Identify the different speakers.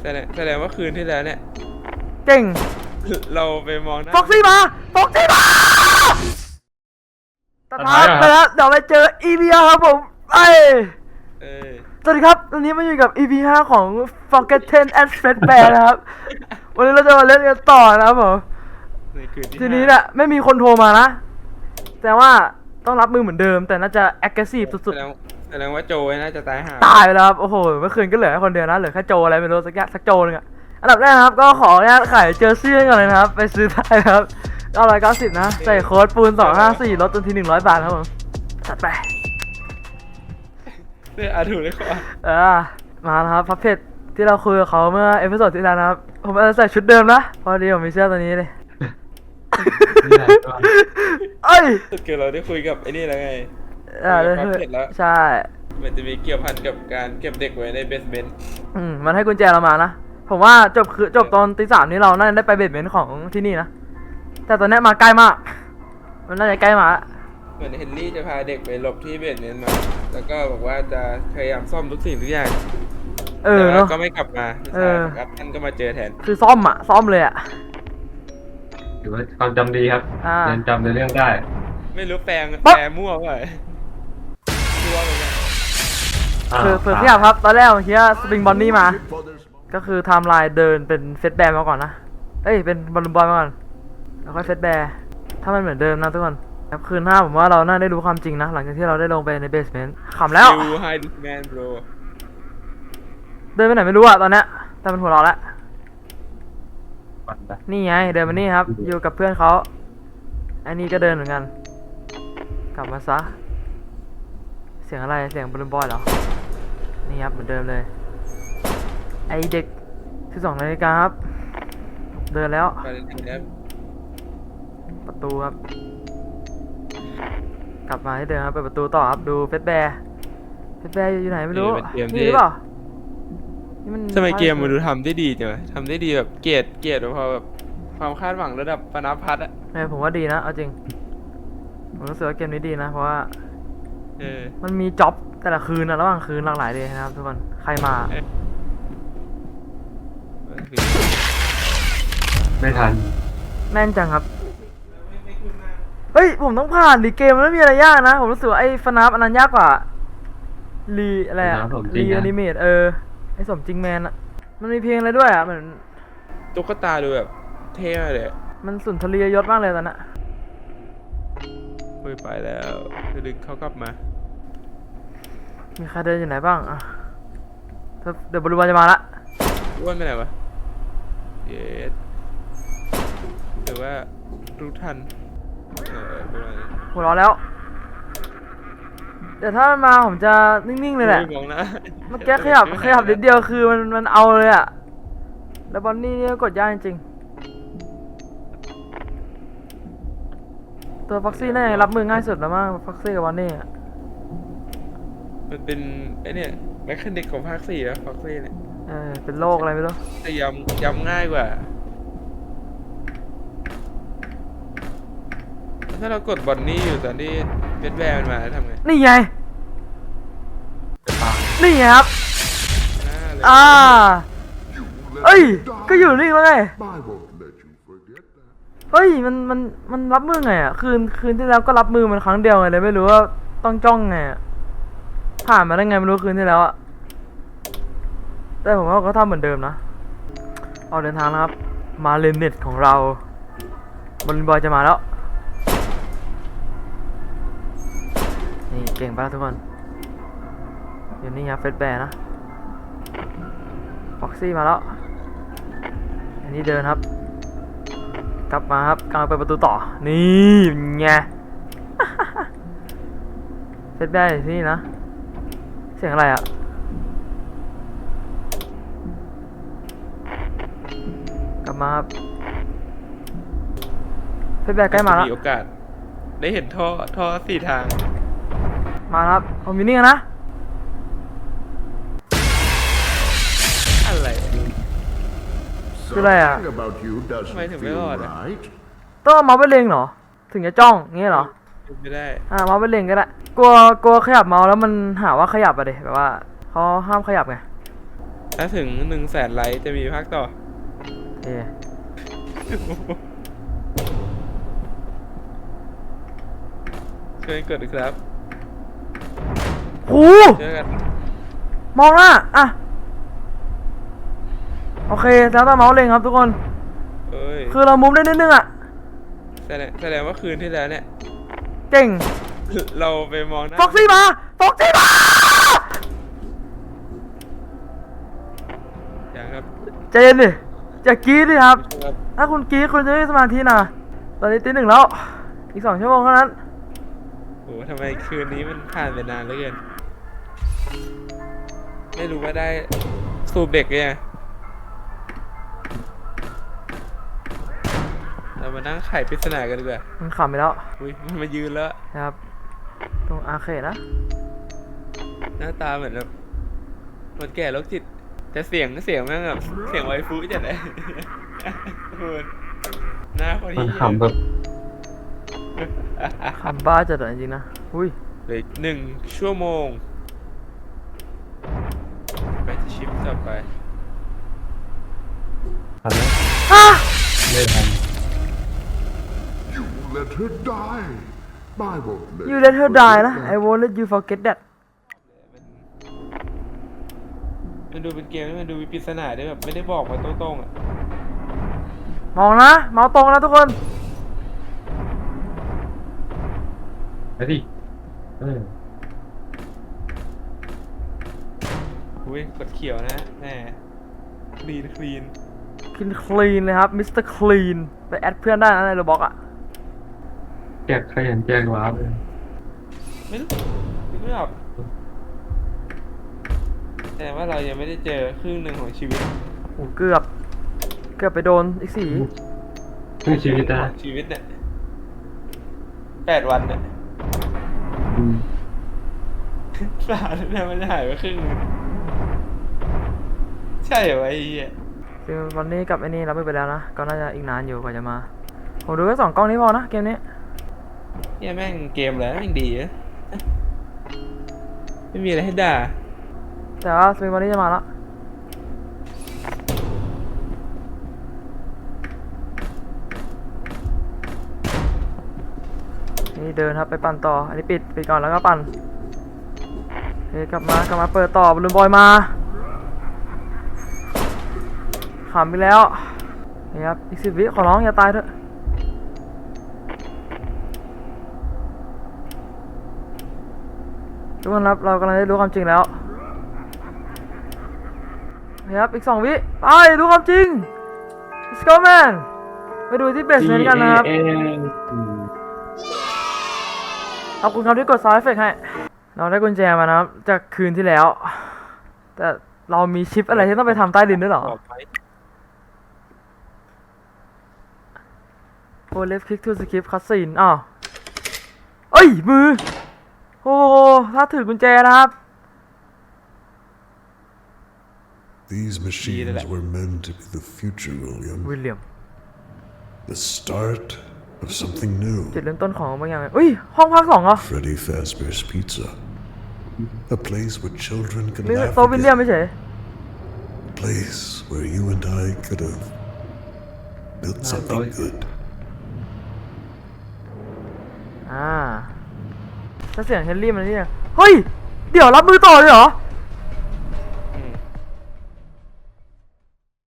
Speaker 1: แสดงว่าคืนที่แล้วเนี่ย
Speaker 2: เก่ง
Speaker 1: เราไปมองหน้า
Speaker 2: ฟ็อกซี่มาตัดภาพไปแล้วเดี๋ยวไปเจอ EP 5ครับผมไป
Speaker 1: เออ
Speaker 2: สวัสดีครับวันนี้มาอยู่กับ EP 5ของ Forgotten and Fredbear นะครับ วันนี้เราจะมาเล่นกันต่อนะครับผม
Speaker 1: ในคืนที่
Speaker 2: ทีนี้เนี่ยไม่มีคนโทรมานะ แต่ว่าต้องรับมือเหมือนเดิม แต่น่าจะ aggressive สุด
Speaker 1: แสดงว่าโจน่าจะตายห่า
Speaker 2: ๆ ตายไปแล้วครับ โอ้โห เมื่อคืนก็เหลือแค่คนเดียวนะ เหลือแค่โจอะไรไม่รู้สักโจนึงอะอันดับแรกนะครับ ก็ขออนุญาตขายเจอร์ซี่ก่อนเลยนะครับ ไปซื้อได้นะครับ990นะ ใส่โค้ดปูน254ลดจนที100 บาทครับผมจัดไป
Speaker 1: เนี่ยถูกเลยก่อน
Speaker 2: มาแล้วครับพับเพจที่เราคุยกับเขาเมื่อเอพิโซดที่แล้วนะครับ ผมอาจจะใส่ชุดเดิมนะพอดีผมมีเสื้อตัวนี้เลย เอ้ย
Speaker 1: สุดเกิดเราได้คุยกับไอ้นี่แล้วไง
Speaker 2: ได้
Speaker 1: พับเพจแล้ว
Speaker 2: ใช่
Speaker 1: มันจะมีเกี่ยวพันกับการเก็บเด็กไว้ในเบสเมนต์
Speaker 2: มันให้กุญแจเรามานะ ผมว่าจบตอนตี 3นี้เราน่าจะได้ไปเบสเมนต์ของที่นี่นะ แต่ตอนนี้มาใกล้มาก มันน่าจะใกล้มาละ
Speaker 1: เหมือนเฮนรี่จะพาเด็กไปหลบที่เบสเมนต์มา แล้วก็บอกว่าจะพยายามซ่อมทุกสิ่งทุกอย่างแต่
Speaker 2: เนาะ
Speaker 1: ว่าก็ไม่กลับมาใช่ครับท่านก็มาเจอแทน
Speaker 2: คือซ่อมเลยอะ
Speaker 3: ถือว่าความจำดีครับ ยังจำในเรื่องได้
Speaker 1: ไม่รู้แปลมั่วเปล่าชัวร์เหมือนกัน
Speaker 2: คือเทียบครับ ตอนแรกผมคิดว่าสปริงบอนนี่มา ก็คือไทม์ไลน์เดินเป็นเฟสแบร์มาก่อนนะ เอ้ยเป็นบอลลูนบอยมาก่อน แล้วค่อยเฟสแบร์ถ้ามันเหมือนเดิมนะทุกคนครับคืนหน้าผมว่าเราน่าได้รู้ความจริงนะ หลังจากที่เราได้ลงไปในเบสเมนต์ขำแล้ว
Speaker 1: You hide this man bro
Speaker 2: เดินไปไหนไม่รู้อะตอนเนี้ยแต่มันหัวเราะแล้ว
Speaker 3: วันไป
Speaker 2: นี่ไงเดินมานี่ครับ อยู่กับเพื่อนเขาอันนี้ก็เดินเหมือนกัน กลับมาซะ เสียงอะไรเสียงบอลลูนบอยเหรอ นี่ครับเหมือนเดิมเลย ไอเด็ก12 นาฬิกาครับ เดินแล้ว
Speaker 1: ไปเลยครับ
Speaker 2: ประตูครับ กลับมาที่เดิมครับเปิดประตูต่อครับดูเฟสแบร์อยู่ไหนไม่รู้นี่หรือเปล่านี่มัน
Speaker 1: ทำไมเกมมันดูทำได้ดีจังวะทำได้ดีแบบเกรดพอแบบความคาดหวังระดับปนพัฒน์อะ
Speaker 2: ผมว่าดีนะเอาจริงผมรู้สึกว่าเกมนี้ดีนะเพราะว่า
Speaker 1: เออ
Speaker 2: มันมีจ็อบแต่ละคืนนะระหว่างคืนหลากหลายเลยนะครับทุกคนใครมา
Speaker 3: ไม่ทัน
Speaker 2: แม่นจังครับเฮ้ยผมต้องผ่านดิเกมมันไม่มีอะไรยากนะผมรู้สึกว่าไอ้ฟนับอันนั้นยากกว่าอะไรอะรีแอนิเมตไอ้สมจริงแมนอะมันมีเพลงอะไรด้วยอะเหมือน
Speaker 1: ตุ๊กตาดูแบบเท่มากเลย
Speaker 2: มันสุนทรียยศมากเลยตอนนั้น
Speaker 1: คุยไปแล้วดึงเขากลับมา
Speaker 2: มีใครเดินอยู่ไหนบ้างอะเดี๋ยวบริวารจะมาละ
Speaker 1: อ้วนไปไหนวะเย็ดหรือว่ารู้ทันประมาณนี้
Speaker 2: หัวเราะแล้ว เดี๋ยวถ้ามันมาผมจะนิ่งๆเลยแหละ
Speaker 1: มองนะ
Speaker 2: เมื่อกี้ขยับนิดเดียวคือมันเอาเลยอะแล้วบอนนี่เนี่ยกดยากจริงๆตัวฟ็อกซี่น่าจะรับมือง่ายสุดแล้วมั้งฟ็อกซี่กับบอนนี่อะ
Speaker 1: มันเป็นไอเนี่ยแมคคานิกของภาค4อะฟ็อกซี่เนี่ย
Speaker 2: เป็นโรคอะไรไม่รู้
Speaker 1: แต่ย้ำง่ายกว่าถ้าเรากดบอนนี่อยู่ตอนที่เบสแบร์มันมาทำไง
Speaker 2: นี่ไง
Speaker 3: จะตาย
Speaker 2: นี่ไงครับ
Speaker 1: หน้าเลย
Speaker 2: เอ้ยก็อยู่นี่แล้วไง
Speaker 4: I won't let you forget that.
Speaker 2: เฮ้ยมันรับมือไงอ่ะคืนที่แล้วก็รับมือมันครั้งเดียวไงเลยไม่รู้ว่าต้องจ้องไงอะผ่านมาได้ไงไม่รู้คืนที่แล้วอะแต่ผมว่าก็ทำเหมือนเดิมนะออกเดินทางแล้วครับมาเลนเน็ตของเราบอลบอยจะมาแล้วนี่เก่งไปแล้วทุกคนอยู่นี่ครับเฟสแบร์นะฟ็อกซี่มาแล้วอันนี้เดินครับกลับมาครับกำลังไปประตูต่อนี่ไง เฟสแบร์อยู่ที่นี่นะเสียงอะไรอ่ะกลับมาครับเฟสแบร์ใกล้มาแล้ว
Speaker 1: มีโอกาสได้เห็นท่อ4 ทาง
Speaker 2: มาครับผมอยู่นี่กันนะ
Speaker 1: อะไร
Speaker 2: คืออะไรอ่ะ
Speaker 4: Something about you doesn't
Speaker 1: Wait a
Speaker 4: feel
Speaker 1: minute.
Speaker 4: right.
Speaker 2: ต้องเอาเมาส์ไปเล็งเหรอถึงจะจ้องงี้เหรอ
Speaker 1: ไม่ได้
Speaker 2: เมาส์ไปเล็งก็ได้กลัวขยับเมาส์แล้วมันหาว่าขยับอะเดแบบว่าเขาห้ามขยับไง
Speaker 1: ถ้าถึง100,000 ไลค์จะมีภาคต่อ
Speaker 2: เอ๊ะ
Speaker 1: ช่วยกดครับ
Speaker 2: โอ้
Speaker 1: เจอกัน
Speaker 2: มองหน้าอ่ะ โอเคแล้วแต่เมาส์เล็งครับทุกคน
Speaker 1: เอ้ย
Speaker 2: คือเรามุมได้นิดนึงอ่ะ
Speaker 1: แสดงว่าคืนที่แล้วเนี่ย
Speaker 2: เก่ง
Speaker 1: เราไปมองหน้า
Speaker 2: ฟ็อกซี่มาฟ็อกซี่มา
Speaker 1: อย่างครับ
Speaker 2: ใจเย็นดิอย่ากรี๊ดดิครับ
Speaker 1: ครับ
Speaker 2: ถ้าคุณกรี๊ดคุณจะไม่มีสมาธินะตอนนี้ตี 1แล้ว อีก2 ชั่วโมงเท่านั้น
Speaker 1: โอ้ทำไมคืนนี้มันผ่านไปนานเหลือเกิน ไม่รู้ว่าได้สูบเด็กไงเรามานั่งไขปริศนากันดีกว่า
Speaker 2: มันขำไปแล้ว
Speaker 1: อุ้ยมันมายืนแล้ว
Speaker 2: นะครับ ตรงอาร์เคดนะ
Speaker 1: หน้าตาเหมือนแบบคนแก่โรคจิต แต่เสียงแม่งแบบเสียงไวฟูจัดเลย คุณหน้าคน
Speaker 3: มัน
Speaker 1: ที่
Speaker 3: ขำแบบ
Speaker 2: ขำบ้าจัดอะจริงๆนะ อุ้ย
Speaker 1: เหลืออีก1 ชั่วโมง ไปที่ชิปต่อไป
Speaker 3: ทันไหม
Speaker 2: อ่ะ
Speaker 3: ไม่ทัน
Speaker 4: You let her die. I won't let
Speaker 2: you let her
Speaker 4: forget
Speaker 2: die นะ
Speaker 4: that.
Speaker 2: I won't let you forget that
Speaker 1: มันดูเป็นเกมที่มันดูมีปริศนาด้วยแบบไม่ได้บอกมาตรงๆอ่ะ
Speaker 2: มองนะ เมาส์ตรงนะทุกคน
Speaker 3: ไปดิเออ
Speaker 1: อุ้ยกดเขียวนะแหมคลีน
Speaker 2: คลีนเลยครับมิสเตอร์คลีนไปแอดเพื่อนได้นะในโรบอกอะ
Speaker 3: แจกขยันแจกว้าร์ปเลย
Speaker 1: ไม่รู้นึกไม่ออกแต่ว่าเรายังไม่ได้เจอครึ่งหนึ่งของชีวิต
Speaker 2: โอ้เกือบไปโดนอีก4
Speaker 3: เพื่อชีวิตนะ
Speaker 1: ของชีวิตเนี่ย8 วันเนี่ย
Speaker 3: อืม
Speaker 1: สาดเนี่ยมันจะหายไปครึ่งหนึงใช่เหรอวะไอ้เหี้ย
Speaker 2: คือวันนี้กับไอ้นี่รับมือไปแล้วนะ ก็น่าจะอีกนานอยู่กว่าจะมา ผมดูแค่2 กล้องนี้พอนะเกมนี้
Speaker 1: เนี่ยแม่งเกมแล้วแม่งดีอะไม่มีอะไรให้ด่า
Speaker 2: แต่ว่าสปริงวันนี้จะมาแล้ว นี่เดินครับไปปั่นต่อ อันนี้ปิดก่อนแล้วก็ปั่นโอเคกลับมาเปิดต่อบอลลูนบอยมาขำไปแล้วนี่ครับอีก10 วิขอร้องอย่าตายเถอะทุกคนครับเรากำลังได้รู้ความจริงแล้วนี่ครับอีก2 วิไปรู้ความจริง let's go man ไปดูที่เบสเมนต์กันนะครับ ขอบคุณครับที่กดซาวด์เอฟเฟกต์ให้ เราได้กุญแจมานะครับจากคืนที่แล้ว แต่เรามีชิปอะไรที่ต้องไปทำใต้ดินด้วยเหรอ
Speaker 1: บอกไหม
Speaker 2: โอ้ left click to skip cutscene อ้าวเอ้ย มือ โอ้ถ้าถือกุญแจนะครับ
Speaker 4: These machines were meant to be the future,
Speaker 2: วิ
Speaker 4: William.
Speaker 2: ลเลียม
Speaker 4: The start of something new.
Speaker 2: จุดเริ่มต้นของบางอย่างอุ้ย ห้องพัก2เหรอ
Speaker 4: Freddy Fazbear's Pizza. A place where children can
Speaker 2: นี่
Speaker 4: laugh
Speaker 2: โต๊ะวิลเลียม
Speaker 4: again.
Speaker 2: ไม่ใช่
Speaker 4: A place where you and I could have built something good.
Speaker 2: ถ้าเสียงเฮนรี่มันนี่เฮ้ย เดี๋ยวรับมือต่อเลยเหรอ